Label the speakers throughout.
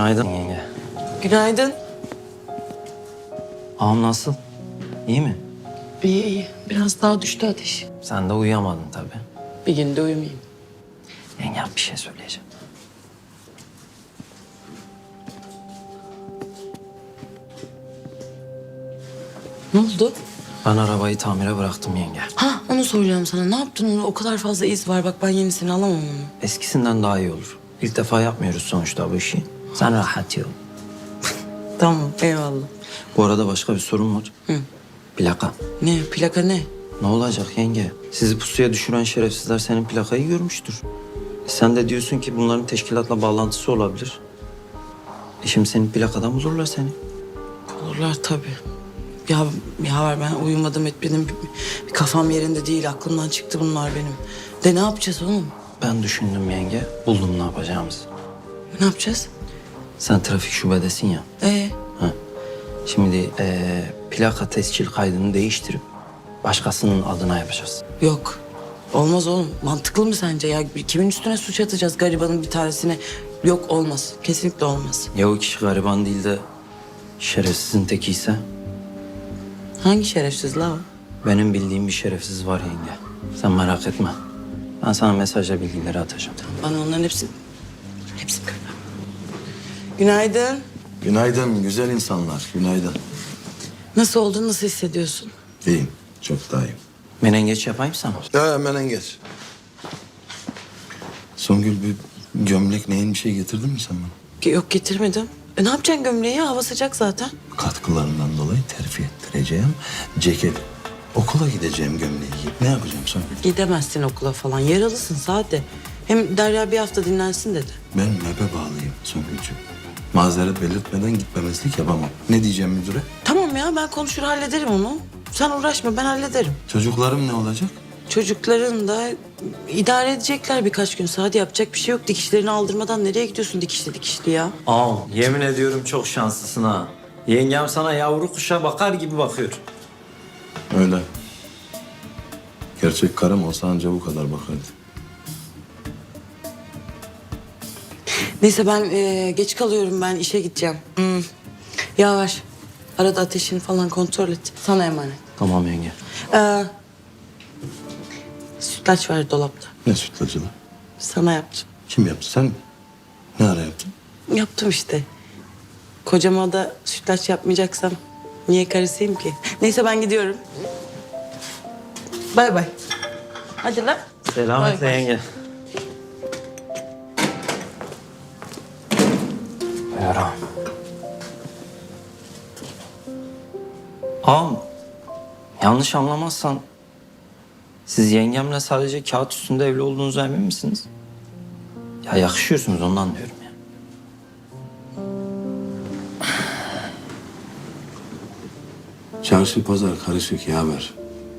Speaker 1: Günaydın yenge.
Speaker 2: Günaydın.
Speaker 1: Ağam nasıl? İyi mi?
Speaker 2: İyi iyi. Biraz daha düştü ateş.
Speaker 1: Sen de uyuyamadın tabii.
Speaker 2: Bir gün de uyumayayım.
Speaker 1: Yenge bir şey söyleyeceğim.
Speaker 2: Ne oldu?
Speaker 1: Ben arabayı tamire bıraktım yenge.
Speaker 2: Ha onu soracağım sana. Ne yaptın onu? O kadar fazla iz var. Bak ben yenisini alamam onu.
Speaker 1: Eskisinden daha iyi olur. İlk defa yapmıyoruz sonuçta bu işi. Sen rahat ol.
Speaker 2: Tamam eyvallah.
Speaker 1: Bu arada başka bir sorun var.
Speaker 2: Hı.
Speaker 1: Plaka.
Speaker 2: Ne? Plaka ne?
Speaker 1: Ne olacak yenge? Sizi pusuya düşüren şerefsizler senin plakayı görmüştür. Sen de diyorsun ki bunların teşkilatla bağlantısı olabilir. Şimdi senin plakadan bulurlar seni.
Speaker 2: Olurlar tabii. Ya var ben uyumadım etmedim. Bir kafam yerinde değil. Aklımdan çıktı bunlar benim. De ne yapacağız oğlum?
Speaker 1: Ben düşündüm yenge. Buldum ne yapacağımızı.
Speaker 2: Ne yapacağız?
Speaker 1: Sen trafik şubedesin ya. Ha. Şimdi plaka tescil kaydını değiştirip başkasının adına yapacağız.
Speaker 2: Yok. Olmaz oğlum. Mantıklı mı sence ya? Kimin üstüne suç atacağız garibanın bir tanesine? Yok olmaz. Kesinlikle olmaz.
Speaker 1: Ya o kişi gariban değil de şerefsizin tekiyse?
Speaker 2: Hangi şerefsiz la o?
Speaker 1: Benim bildiğim bir şerefsiz var yenge. Sen merak etme. Ben sana mesajla bilgileri atacağım.
Speaker 2: Bana onların hepsini gör. Günaydın.
Speaker 3: Günaydın güzel insanlar, günaydın.
Speaker 2: Nasıl oldun? Nasıl hissediyorsun?
Speaker 3: İyiyim, çok daha iyiyim.
Speaker 1: Menengeç yapayım sana.
Speaker 3: Ya hemen geç. Songül bir gömlek neyin bir şey getirdin mi sen bana?
Speaker 2: Yok getirmedim. Ne yapacaksın gömleği? Hava sıcak zaten.
Speaker 3: Katkılarından dolayı terfi ettireceğim ceketi. Okula gideceğim gömleği giyip ne yapacağım Songül?
Speaker 2: Gidemezsin okula falan. Yaralısın Sade. Hem Derya bir hafta dinlensin dedi.
Speaker 3: Ben nöbe bağlıyım Songül'cüğüm. Mazeret belirtmeden gitmemezlik yapamam. Ne diyeceğim müdüre?
Speaker 2: Tamam ya ben konuşur hallederim onu. Sen uğraşma ben hallederim.
Speaker 3: Çocuklarım ne olacak?
Speaker 2: Çocukların da idare edecekler birkaç gün. Sade yapacak bir şey yok. Dikişlerini aldırmadan nereye gidiyorsun dikişli ya?
Speaker 1: Ağam yemin ediyorum çok şanslısın ha. Yengem sana yavru kuşa bakar gibi bakıyor.
Speaker 3: Öyle. Gerçek karım olsa anca bu kadar bakardı.
Speaker 2: Neyse ben geç kalıyorum ben işe gideceğim. Yavaş. Arada ateşini falan kontrol et. Sana emanet.
Speaker 1: Tamam yenge.
Speaker 2: Sütlaç var dolapta.
Speaker 3: Ne sütlacılı?
Speaker 2: Sana yaptım.
Speaker 3: Kim yaptı sen mi? Ne ara yaptın?
Speaker 2: Yaptım işte. Kocama da sütlaç yapmayacaksam niye karısıyım ki? Neyse ben gidiyorum. Bay bay. Hadi lan.
Speaker 1: Selametle
Speaker 2: Bay bay.
Speaker 1: yenge. Buyur ağam. Ağam, yanlış anlamazsan siz yengemle sadece kağıt üstünde evli olduğunuza emin misiniz? Ya yakışıyorsunuz ondan diyorum ya.
Speaker 3: Çarşı pazar karışık yaver.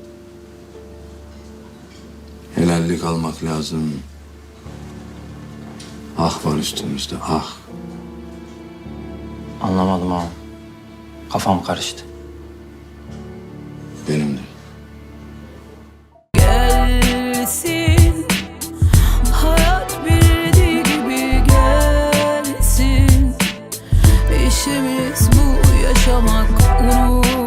Speaker 3: Helallik almak lazım. Ah var üstümüzde ah.
Speaker 1: Anlamadım ağam. Kafam karıştı.
Speaker 3: Benim de.
Speaker 4: Gelsin, hayat bildiği gibi gelsin. İşimiz bu yaşamak, unut.